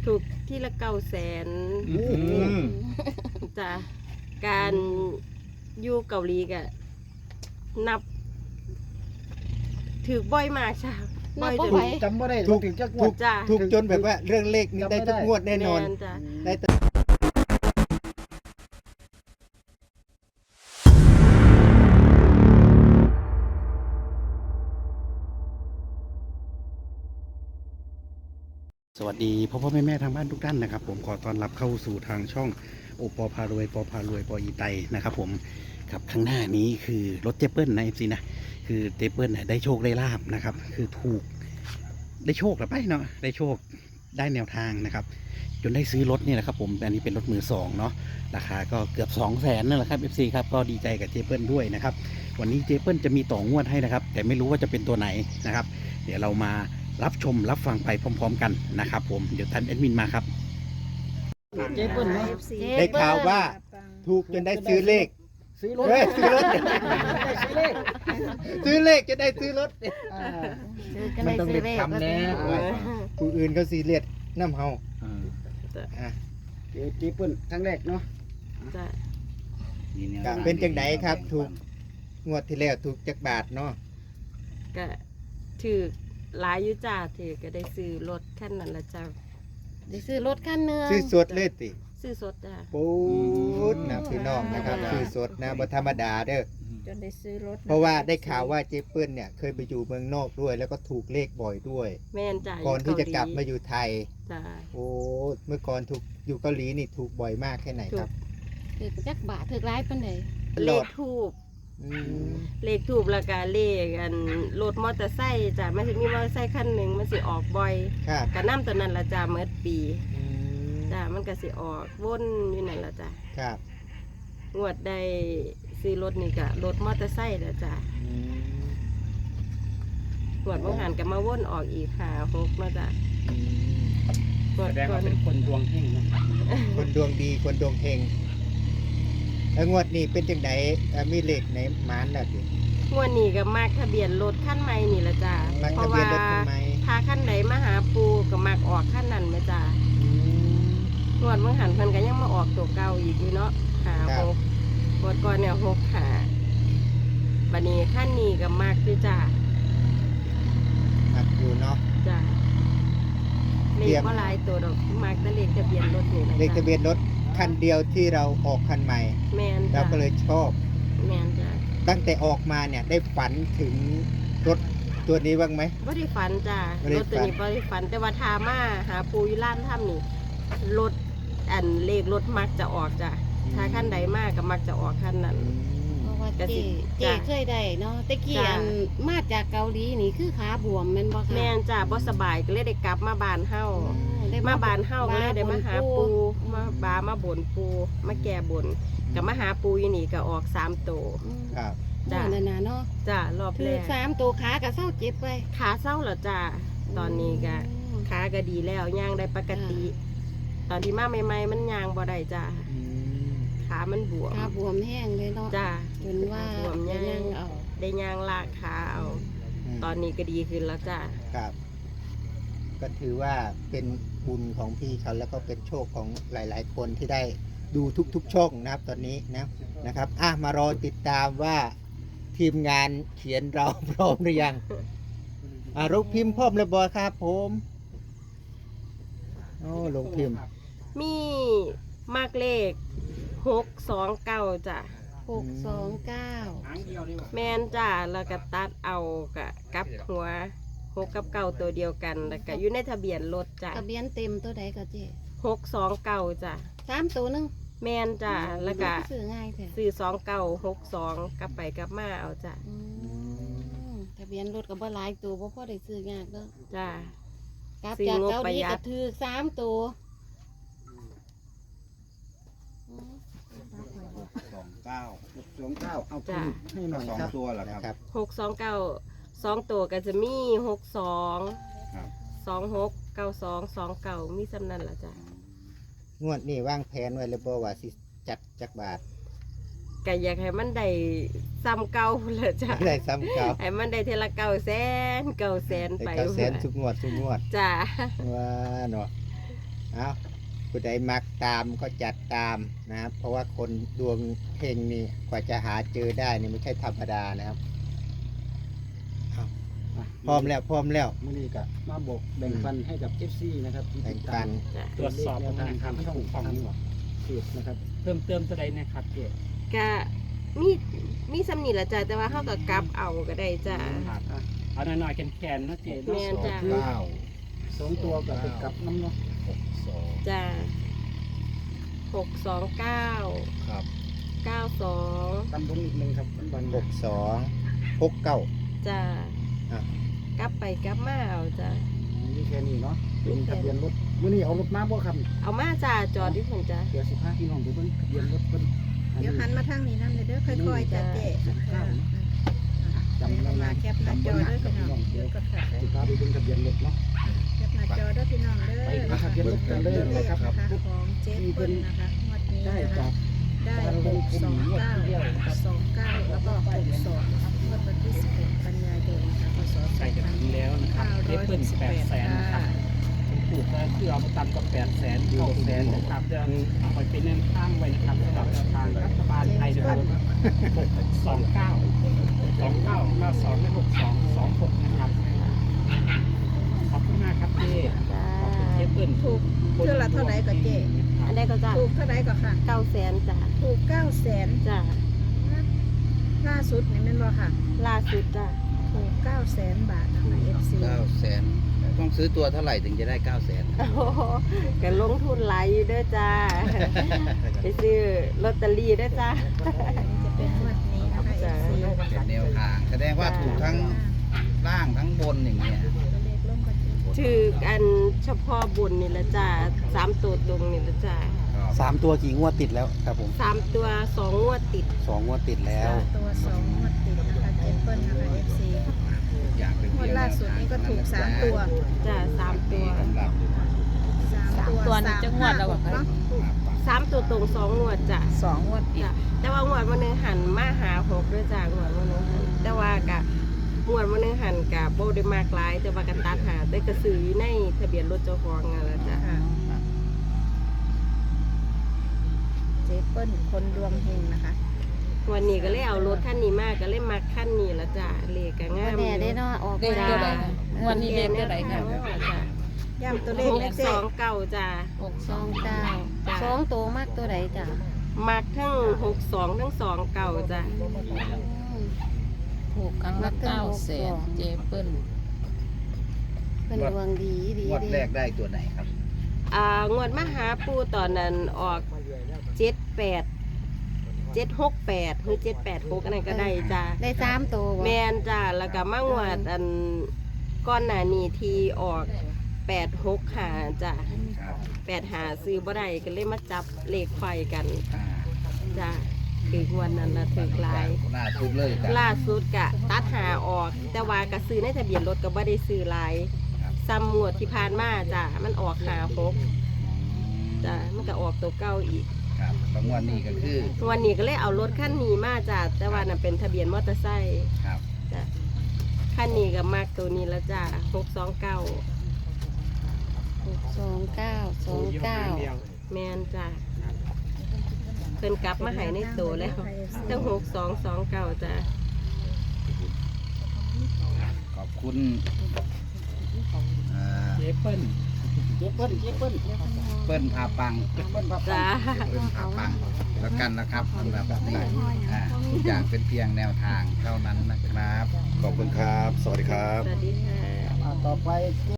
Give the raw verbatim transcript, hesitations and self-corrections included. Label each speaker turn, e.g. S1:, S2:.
S1: ถูกที่ละเก้าแสนจ้ะการอยู่เกาหลีก็นับถือบ่อยมากจ้ะบ่อยจน
S2: จำไม่ได้
S3: ถูก
S2: ถึงจะง
S3: ถู
S2: วด
S3: ก
S1: จ้ะ
S3: ถูกจนแบบว่าเรื่องเลขนี้ได้ทุกงวดแน่นอน
S1: แม่จ้ะ
S3: ได้แต่สวัสดีพ่อพ่อแม่แม่ทางบ้านทุกท่านนะครับผมขอต้อนรับเข้าสู่ทางช่องโอปอพารวยปอพารวยปออีไตนะครับผมครับข้างหน้านี้คือรถเจเปิลนะเอฟซีนะคือเจเปิลได้โชคได้ลาบนะครับคือถูกได้โชคหรือไปเนาะได้โชคได้แนวทางนะครับจนได้ซื้อรถนี่แหละครับผมอันนี้เป็นรถมือสองเนาะราคาก็เกือบสองแสนนั่นแหละครับเอฟซีครับก็ดีใจกับเจเปิลด้วยนะครับวันนี้เจเปิลจะมีต่องวดให้นะครับแต่ไม่รู้ว่าจะเป็นตัวไหนนะครับเดี๋ยวเรามารับชมรับฟังไปพร้อมๆกันนะครับผมเดี๋ยวท่านแอดมินมาครับ
S2: เจ๊เปิ้ลเนาะ
S3: ได้ข่าวว่าถูกจนได้ซื้อเลข
S2: ซื้อรถ
S3: เฮ้ยซื้อรถ
S2: ได้ซื้อเลข
S3: ซื้อเลขจะได้ซื้อรถ
S2: อ่า
S3: มันต้องเด็ดคำแน่ผู้อื่นเขาซีเรียสน้ำเฮา
S1: จ้ะ
S3: อ่ะ
S2: เจ๊เจ๊เปิ้ลครั้งแรกเนาะ
S1: จ้ะ
S3: ก็เป็นจังไดครับ ถูกงวดที่แล้วถูกจักบาทเนาะ
S1: ก็ถือหลายอยู่จ้าถือก็ได้ซื้อรถคันนั้นละจ้า
S4: ได้ซื้อรถคันหนึง
S3: ซื้อสดเลยติ
S1: ซื้อสดจ้า
S3: ปูดนะพี่น้องนะครับซื้อสดนะบ่ธรรมดาเด้อ
S4: จนได้ซื้อรถ
S3: เพราะว่าได้ข่าวว่าเจเปิ้ลเนี่ยเคยไปอยู่เมืองนอกด้วย แล้วก็ถูกเลขบ่อยด้วย
S1: แม่นจ้า
S3: ก่อนที่จะกลับมาอยู่ไทย
S1: จ้า
S3: โอ้เมื่อก่อนถูกอยู่เกาหลีนี่ถูกบ่อยมากแค่ไหนครับ
S4: ถือจักบาทถือร้ายปานใด
S3: ต
S1: เล
S3: ลอ
S1: ข
S3: ด
S1: ทูบ
S3: อืม
S1: เลขทูบแล้วก็เลขอันรถมอเตอร์ไซค์จ้ามันสิมีมอเตอร์ไซค์คันหนึ่งมันสิออกบ่อย
S3: ครับ
S1: ก็นำตัวนั้นละจ้าเมื่อปี
S3: อืม
S1: จ้ามันก็สิออกวนอยู่นั่นละจ้า
S3: ครับ
S1: งวดได้ซื้อรถนี่ก็รถมอเตอร์ไซค์แล้วจ้า
S3: อืม
S1: งวดบางหันก็มาวนออกอีกห้าหกเนาะจ้า
S3: อืม
S1: งวด
S2: แสดง
S1: ก่อ
S2: ว่าน เป็นคนดวงเฮงนะ
S3: คนดวงดีคนดวงเฮงแล้วงวดนี้เป็นจังไดเอ่อมีเลขในหมานแล้วสิ
S1: งวดนี้ก็มักทะเบียนรถขั้นใหม่นี่ละจ้า
S3: มัก
S1: เพ
S3: ทะ
S1: ราะ
S3: เบีย
S1: ว่าน
S3: รถทำไม
S1: ถ้าขั้นไหนมาหาปูก็มักออกขั้นนั้นไหมจ้า
S3: อืม
S1: งวดบางหันเพิ่นก็ยังมาออกตัวเก่าอีกอยู่เนาะหา
S3: ครับ
S1: หกงวดก่อนเนี่ยหกหาบัดนี้ขั้นนี้ก็มักด้วยจ้า
S3: มักอยู่เนาะ
S1: จ้าเล
S3: เตรี
S1: ข
S3: ยม
S1: ก็หลายตัวดอกมักแต่เลขทะเบียนรถนี่แหละ
S3: เลขทะ
S1: จ้า
S3: เบียนรถคันเดียวที่เราออกคันใหม่
S1: แม่น
S3: เรา
S1: จ้า
S3: ก็เลยชอบ
S1: แม่นจ้า
S3: ตั้งแต่ออกมาเนี่ยได้ฝันถึงรถตัวนี้บ้างไหม
S1: บ่ได้ฝันจ้า
S3: บ่ได้
S1: รถตัวนี้
S3: ฝัน
S1: บ่ได้ฝันแต่ว่าทามาหาปูอยู่ร้านถ้ำนี่รถอันเลขรถมักจะออกจ้าถ้าขั้นใดมากก็มักจะออกขั้นนั้น
S3: อืม
S4: เพราะว่า
S1: ก็สิ
S4: เจ๊เจ๊
S1: จ้ะ
S4: เคยได้เนาะแต่กี้
S1: จ้ะ
S4: อันมาจากเกาหลีนี่คือขาบวมแม่นบ่คะ
S1: แม่นจ้าบ่สบายก็เลยได้กลับมาบ้านเฮา
S4: อ๋อได้
S1: มาบ้านเฮาก็เลยได้มาหาปู
S4: อื
S1: มาบามาบ่นปูมาแก้บ่นก็มาหาปูอยู่นี่ก็ออกสามตัว
S4: อืม
S3: ครับ
S4: จ้านั่นน่ะเนาะ
S1: จ้ารอบ
S4: ถื
S1: แร
S4: อก สามตัวขาก็เศร้าเจ็บไป
S1: ขาเศร้าแล้วจ้าตอนนี้ก็
S4: อืม
S1: ขาก็ดีแล้วย่างได้ปกติ ตอนที่มาใหม่ๆมันย่างบ่ได้จ้า
S3: อืม
S1: ขามันบวม
S4: ขาบวมแห้งเลยเนาะ
S1: จ้า
S4: จนว่า
S1: บวม
S4: จะ
S1: ย่าง
S4: นั่งเอา
S1: ได้ย่างลากขาเอา
S3: ม
S1: ตอนนี้ก็ดีขึ้นแล้วจ้า
S3: ครับ ก็ถือว่าเป็นบุญของพี่เขาแล้วก็เป็นโชคของหลาย ๆ คนที่ได้ดูทุกๆช่องนะครับ ตอนนี้นะนะครับอ่ะมารอติดตามว่าทีมงานเขียนเรา พร้อมหรือยังอ่ะลงพิมพ์พร้อมเลยบอยครับผมโอ้ลงพิมพ์
S1: มีมากเลขหกสองเก้าจ้ะ
S4: หกสองเก้า
S2: หางเดียวดีกว่า
S1: แม่นจ้าแล้วก็ตัดเอากะกลับหัวหกกับเก้าตัวเดียวกันแล้วก็อยู่ในทะเบียนรถจ้ะ
S4: ทะเบียนเต็มตัวใดก็เจ๊
S1: หกสองเก้าจ้ะ
S4: สามตัวหนึง
S1: แม่นจ้ะแล้วก็
S4: ซื้อง่ายแท้
S1: ซื้อสองเก้าหกสองกลับไปกลับมาเอาจ้ะ
S4: อืมทะเบียนรถก็บ่หลายตัวบ่พอได้ซื้อยากเด้อ
S1: จ้ะ
S4: กลับ
S1: ซื้อ
S4: จาก
S1: งบ
S4: เกาห
S1: ประ
S4: ลี
S1: หยัด
S4: ก็ถือสามตัวอืม
S5: สองเก้า
S2: สองเก้าเอา
S1: จ้ะ
S2: ให้หน่อย
S5: สอง
S2: ครับ
S5: ตัวเหรอค
S3: นะ
S5: รับ
S3: ครับ
S1: หกสองเก้าสองตัวก็จะมีหกสอง
S5: ครับ
S1: สองหกเก้าสองสองเก้ามีสำนันละจ้ะ
S3: งวดนี้วางแผนไว้เลยบ่ว่าสิจัดจักบาท
S1: ก็อยากให้มันได้ซ้ำเก่าเลยจ้ะ
S3: ได้ซ้ำเก่า
S1: ให้มันได้เทละเก้าแสนเก้าแสน
S3: ได้
S1: ไป
S3: เก้าแสนทุกงวดทุกงวด
S1: จ้ะ
S3: ว่าเนาะ
S5: เอาผู้ใดมักตามก็จัดตามนะครับ เพราะว่าคนดวงเฮงนี่กว่าจะหาเจอได้นี่ไม่ใช่ธรรมดานะครับเอาพร้อมแล้วพร้อมแล้ว
S2: มื้อนี้ก็มาบอกแบ่งปันให้กับ เอฟ ซี นะครับที่
S5: แบ่
S2: ติ
S5: ง
S2: ด
S5: ปั
S2: ตาม
S5: น
S1: จ้ะ
S6: ตรวจสอบ
S2: แนวทาง
S6: ทาง
S2: ทางช่อง
S6: ถูกต้อง
S2: ทางเพจนะครับ
S6: เพิ่มเติมตัวใดนะครับเจ๊
S1: ก็มีมีสำนีละจ้ะแต่ว่าเขาก็กลับเอาก็ได้จ้ะ
S6: ครับเอาหน่อยๆแคนๆนะเจ๊
S1: แม่
S6: เนาะ
S1: นจ้ะ
S5: เก้า
S2: สองตัวกับเป็นกับน้ำเนาะ
S5: หกสอง
S1: จ้ะหกสองเก้า
S5: ครับ
S1: เก้าสอง
S2: ตำบลอีกหนึ่งครับตำบล
S5: หกสองหกเก้า
S1: จ้ะ
S5: อ่ะ
S1: กลับไปกลับมาเอาจ้ะ
S2: นี่แค่นี้เนาะเป็นทะเบียนรถมื้อนี้เอารถมาบ่ครับ
S1: เอามาจ้ะจอดที่ผมจ้ะ
S2: เดี๋ยวสิพาพี่น้องไปเบิ่งทะเบียนรถเพิ่น
S7: เดี๋ยวหันมาทางนี้นั่นเลยเด้อค่อยๆจ้ะเจ๊
S2: จำได้
S7: มา
S2: นะ
S7: แคปหน้าจอเด้อพี่น้องเดี๋ยวก็ค่ะ
S2: สิพาไปเบิ่งทะเบียนรถเนาะ
S7: แคปหน้าจอเด้อพี่น้องเด้อ
S2: ไปหาทะเบียนรถกันเลยนะครับ
S7: ของเจ๊เปิ้ลนะคะงวดนี้
S2: ได้
S7: นะ
S2: จา
S7: คะ
S2: ก
S7: ได้หกสองเก้าสองเก้าแล้วก็หกสองงวดวันที่สิบหกกันยายนนะคะพศส
S6: ใกล้
S7: อง
S6: จะ
S7: พัน
S6: ถึงแล้วนะครับ
S7: เก้า
S6: เจ๊
S7: ร้อย
S6: เปิ้
S7: ห
S6: ล
S7: กสิบ
S6: แป
S7: แป
S6: ด
S7: ด
S6: แสนนะครั
S7: ค่ะ
S6: บถูกก็คือเอาไปตำกับแปดแสนเก้าแสนนะครับจะเอาไปเป็นแนวทางไว้นะครับสำหรับทางรัฐบาลไทยนะครับหกสองเก้าสองเก้าเก้าสองและหกสองสองหกนะครับขอบคุณมากครับเจ๊
S1: จ้ะ
S6: ขอบคุณเจ๊เปิ้ล
S7: ถูกเท่าละเท่าไหร่ก็เจ๊
S1: อันใดก็จ้ะ
S7: ถูกเท่าไหร่ก็ค่ะ
S1: เก้าแสนจ้ะ
S7: ถูกเก้าแสน
S1: จ้ะ
S7: ล่าสุดนี่แม่นบ่ค่ะ
S1: ล่าสุดจ้ะ
S7: ถูกเก้าแสนบาทนะคะ เอฟ ซี
S5: เก้าแสนต้องซื้อตัวเท่าไหร่ถึงจะได้เก้าแสน
S1: โอ้โหก็ลงทุนหลายอยู่เด้อจ้า ไปซื้อลอตเตอรี่เด้อจ้า
S7: อันนี้จะเป็นงวดนี้นะคะ เอ
S1: จ้ะ
S7: ฟ ซี
S5: เป็นแนวทางแสดงว่าถูกทั้งล่างทั้งบนอย่างเงี้ย
S7: ตัวเลขร่วมกันเจ๊
S1: ถืออันเฉพาะบุญนี่ละจ้าสามตัวตรงนี่ละจ้า
S3: สามตัวกี่งวดติดแล้วครับผม
S1: สามตัวสองงวดติด
S3: สองงวดติดแล้ว
S7: ตัวสองงวดติดนะคะเจเปิ้ลนะคะ เอฟ ซี
S5: อยากเป็น
S7: งวดล่าสุดนี้ก็ถูกสามตัว
S1: จ้าสามตัว
S5: สำหรับ
S7: สามตัว
S4: ตัวนี้จะงวดแล้วเหรอคะ
S7: เนาะ
S1: สามตัวตรงสองงวดจ้า
S4: สองงวดติด
S1: จ้าแต่ว่างวดวันหนึงหันมาหาหกด้วยจ้างวดวันหนึงหันแต่ว่ากะงวดวันหนึงหันกะโบได้มากหลายแต่ว่ากันตัดหาได้กระสือในทะเบียนรถเจ้าของนั่นละจ้า
S7: ค่ะเจเปิ้ลคนดวงเฮงนะคะ
S1: วันนี้ก็เลยเอารถคันนี้มาก็เลยมาคันนี้ละจ้ะเลขก็งาม
S4: แน่ได้เนาะออก
S1: เลข
S4: มา
S1: ตัวใด
S4: งวดนี้เลขตัวใดค่ะ
S1: จ้ะ
S7: ย่ำตัวเลข
S1: หก
S7: นะเจ๊
S1: สองเก้าจ้ะ
S4: หกสองเก้าสองตัวมากตัวใดจ้ะ
S1: มักทั้งหกสองทั้งสองเก้าจ้ะ
S4: ถูกครั้งละเก้าแสนเจเปิ้ลเป็นดวงดีดี
S5: งวด
S4: ดี
S5: แรกได้ตัวไหนครับ
S1: อ่างวดมหาปูตอนนั้นออกเจ็ดแปดเจ็ดหกแปดหรือเจ็ดแปดหกอันนั้นก็ได้จ้ะ
S4: ได้สามตัวบ่
S1: แมนจ้ะแล้วก็มางวดอันก้อนหนานี้ทีออกแปดหกหาจ้ะ
S5: ครับ
S1: แปดหาซื้อบ่ได้ก็เลยมาจับเลขไฟกัน
S5: อ่า
S1: จ้ะคืองวันนั้นละถือหลาย
S5: หน้าทุกเลยกัน
S1: ล่าสุดกะตัดหาออก แต่ว่ากะซื้อในทะเบียนรถก็บ่ได้ซื้อหลายซ้ำงวดที่ผ่านมาจ้ะมันออกหาหกจ้ะมันก็ออกตัวเก้าอีก
S5: ครับแล้วงวดนี้ก็คือ
S1: วันนี้ก็เลยเอารถคันนี้มาจ้ะแต่ว่าน่ะเป็นทะเบียนมอเตอร์ไซค์
S5: ครับ
S1: จ้ะคันนี้ก็มากตัวนี้แล้วจ้ะหกสองเก้า
S4: หกสองเก้าสองเก้า
S1: แมนจ้ะเพิ่นกลับมาใหายในตัวแล้วตั้งหกสองสองเก้าจ้ะ
S5: ขอบคุณอ่า
S6: เจ๊เปิ้ล
S2: เจเปิ้ลเจเปิ้ล
S5: เปิ้ลพาปัง
S2: เปิ้ลครับ
S1: จ้ะ
S5: เปิ้ลพาปังแล้วกันนะครับสำหรับนี้อ่าทุกอย่างเป็นเพียงแนวทางเท่านั้นนะครับ
S3: ขอบคุณครับ สวัสดีครับ
S1: สวัสดีค่ะ
S2: อ่าต่อไปเจ